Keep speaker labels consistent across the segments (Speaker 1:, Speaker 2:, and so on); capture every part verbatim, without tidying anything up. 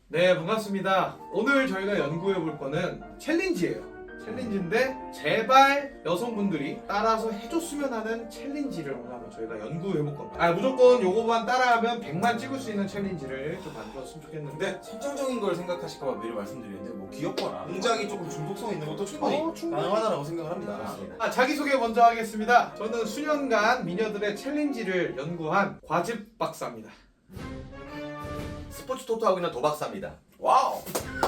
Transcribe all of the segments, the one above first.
Speaker 1: 네, 반갑습니다. 오늘 저희가 연구해 볼 거는 챌린지예요. 챌린지인데 제발 여성분들이 따라서 해줬으면 하는 챌린지를 오늘 한번 저희가 연구해 볼 겁니다. 아, 무조건 요거만 따라하면 백만 찍을 수 있는 챌린지를 좀 만들었으면 좋겠는데.
Speaker 2: 근데 선정적인 걸 생각하실까봐 미리 말씀드리는데 뭐 귀엽거나 굉장히 조금 중독성 있는 것도 충분히,
Speaker 1: 어, 충분히.
Speaker 2: 가능하다고 생각을 합니다.
Speaker 3: 맞습니다.
Speaker 1: 아, 자기소개 먼저 하겠습니다. 저는 수년간 미녀들의 챌린지를 연구한 과즙 박사입니다.
Speaker 3: 스포츠 토토하고 있는 도박사입니다.
Speaker 2: 와우!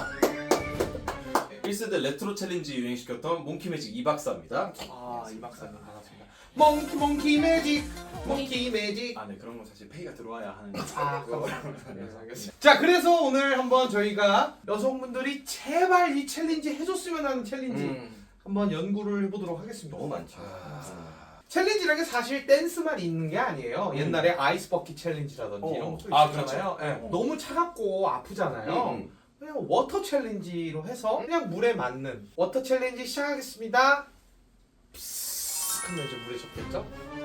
Speaker 2: 일 세대 레트로 챌린지 유행시켰던 몽키매직 이 박사입니다.
Speaker 1: 아, 이 박사님 반갑습니다. 몽키 몽키 매직, 몽키 매직.
Speaker 2: 아, 네, 그런 건 사실 페이가 들어와야 하는
Speaker 1: 아,
Speaker 2: 거.
Speaker 1: 네, 알겠습니다. 자, 그래서 오늘 한번 저희가 여성분들이 제발 이 챌린지 해줬으면 하는 챌린지
Speaker 3: 음,
Speaker 1: 한번 연구를 해보도록 하겠습니다.
Speaker 3: 너무 많죠.
Speaker 2: 아,
Speaker 1: 챌린지라는 게 사실 댄스만 있는 게 아니에요.
Speaker 2: 음.
Speaker 1: 옛날에 아이스 버킷 챌린지라든지
Speaker 2: 어.
Speaker 1: 이런 것도
Speaker 2: 아,
Speaker 1: 있었잖아요.
Speaker 2: 그렇죠.
Speaker 1: 예.
Speaker 2: 어.
Speaker 1: 너무 차갑고 아프잖아요.
Speaker 3: 음,
Speaker 1: 그냥 워터 챌린지로 해서 그냥 물에 맞는 워터 챌린지 시작하겠습니다. 푸스 하면 이제 물에 젖겠죠?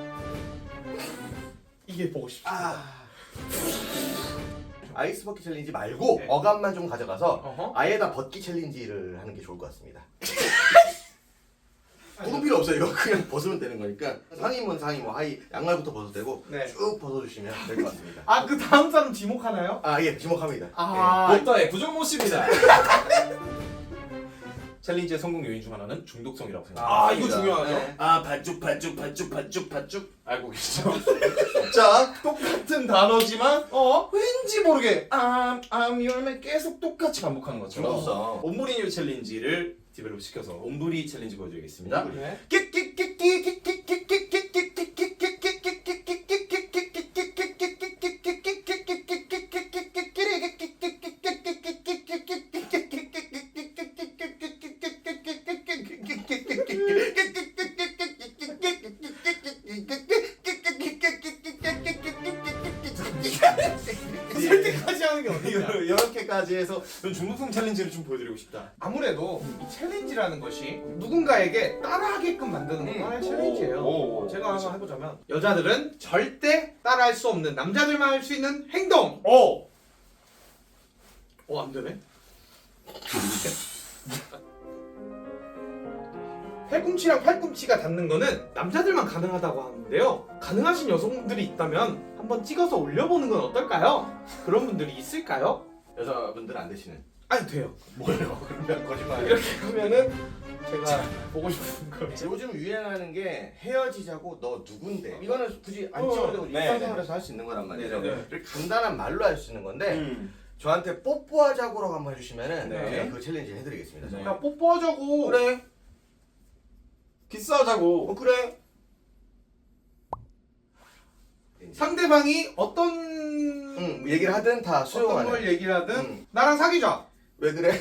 Speaker 1: 이게 보고 싶습니다.
Speaker 3: 아. 아이스 버킷 챌린지 말고
Speaker 1: 네.
Speaker 3: 어감만 좀 가져가서
Speaker 1: 어허.
Speaker 3: 아예다 벗기 챌린지를 하는 게 좋을 것 같습니다. 구분 필요 없어요. 이거 그냥 벗으면 되는 거니까 상의면 상의, 뭐 하의, 양말부터 벗어도 되고
Speaker 1: 네.
Speaker 3: 쭉 벗어주시면 될 것 같습니다.
Speaker 1: 아, 그 다음 사람 지목하나요?
Speaker 3: 아, 예, 지목합니다.
Speaker 1: 아,
Speaker 2: 보따의 구정모 씨입니다. 챌린지의 성공 요인 중 하나는 중독성이라고 생각합니다.
Speaker 1: 아, 이거 중요하죠.
Speaker 3: 네.
Speaker 2: 아, 반죽 반죽 반죽 반죽 반죽 알고 계시죠?
Speaker 3: 예. 자,
Speaker 2: 똑같은 단어지만
Speaker 1: 어?
Speaker 2: 왠지 모르게 암, 암, 열매 계속 똑같이 반복하는 것처럼
Speaker 3: 중독성.
Speaker 2: 옴브리뉴 챌린지를 디벨롭 시켜서 옴브리 챌린지 보여드리겠습니다.
Speaker 1: 네. 설득하지 하는 게 어디냐?
Speaker 2: 이렇게까지 해서 전 중독성 챌린지를 좀 보여드리고 싶다.
Speaker 1: 아무래도 이 챌린지라는 것이 누군가에게 따라하게끔 만드는 것도 하나의 챌린지예요.
Speaker 2: 오, 오,
Speaker 1: 제가
Speaker 2: 그렇죠.
Speaker 1: 한번 해보자면 여자들은 절대 따라할 수 없는 남자들만 할 수 있는 행동.
Speaker 2: 오!
Speaker 1: 어, 안 되네. 팔꿈치랑 팔꿈치가 닿는 거는 남자들만 가능하다고 하는데요. 가능하신 여성분들이 있다면 한번 찍어서 올려보는 건 어떨까요? 그런 분들이 있을까요?
Speaker 3: 여자분들은 안 되시는.
Speaker 1: 아니, 돼요.
Speaker 3: 뭐예요? 그러면 거짓말.
Speaker 1: 이렇게 하면은 제가 보고 싶은 거.
Speaker 3: 요즘 유행하는 게 헤어지자고 너 누군데? 이거는 굳이 안
Speaker 1: 어,
Speaker 3: 찍어도 되고
Speaker 2: 네,
Speaker 3: 일상생활에서 할 수 있는 거란 말이죠.
Speaker 2: 네, 네.
Speaker 3: 이렇게 간단한 말로 할 수 있는 건데
Speaker 2: 음.
Speaker 3: 저한테 뽀뽀하자고라고 한번 해주시면은
Speaker 2: 네.
Speaker 3: 제가 그 챌린지 해드리겠습니다.
Speaker 2: 네.
Speaker 1: 야, 뽀뽀하자고.
Speaker 3: 그래,
Speaker 2: 키스하자고.
Speaker 3: 어, 그래.
Speaker 1: 상대방이 어떤
Speaker 3: 응, 얘기를 하든 다
Speaker 1: 어떤
Speaker 3: 수용하는.
Speaker 1: 걸 얘기를 하든
Speaker 3: 응.
Speaker 1: 나랑 사귀자.
Speaker 3: 왜 그래?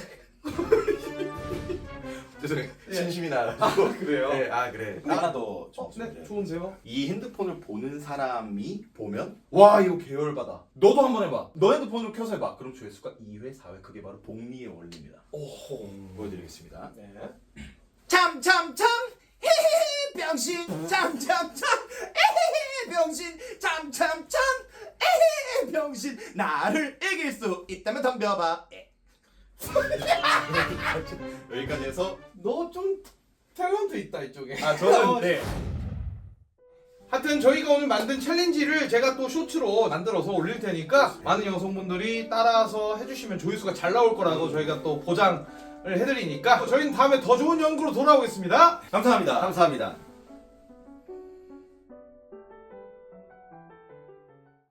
Speaker 3: 죄송해요.
Speaker 1: 예.
Speaker 3: 진심이 나가지고.
Speaker 1: 그래요?
Speaker 3: 네, 아 그래.
Speaker 2: 하나 더
Speaker 1: 어, 네,
Speaker 2: 좀
Speaker 1: 좋은데요?
Speaker 3: 이 핸드폰을 보는 사람이 보면
Speaker 2: 와, 이거 계열받아. 너도 한번 해봐. 너 핸드폰으로 켜서 해봐. 그럼 조회수가 이 회, 사 회. 그게 바로 복리의 원리입니다.
Speaker 1: 오호.
Speaker 2: 보여드리겠습니다.
Speaker 1: 네.
Speaker 2: 참참참 헤헤헤 병신 참참참 에헤헤 병신 참참참 에헤헤 병신 나를 이길 수 있다면 덤벼봐. 에. 여기까지 해서
Speaker 1: 너 좀 탤런트 있다 이쪽에.
Speaker 2: 아 저는 네.
Speaker 1: 하여튼 저희가 오늘 만든 챌린지를 제가 또 쇼츠로 만들어서 올릴 테니까 많은 여성분들이 따라서 해주시면 조회수가 잘 나올 거라고 저희가 또 보장을 해드리니까 저희는 다음에 더 좋은 연구로 돌아오겠습니다.
Speaker 2: 감사합니다.
Speaker 3: 감사합니다.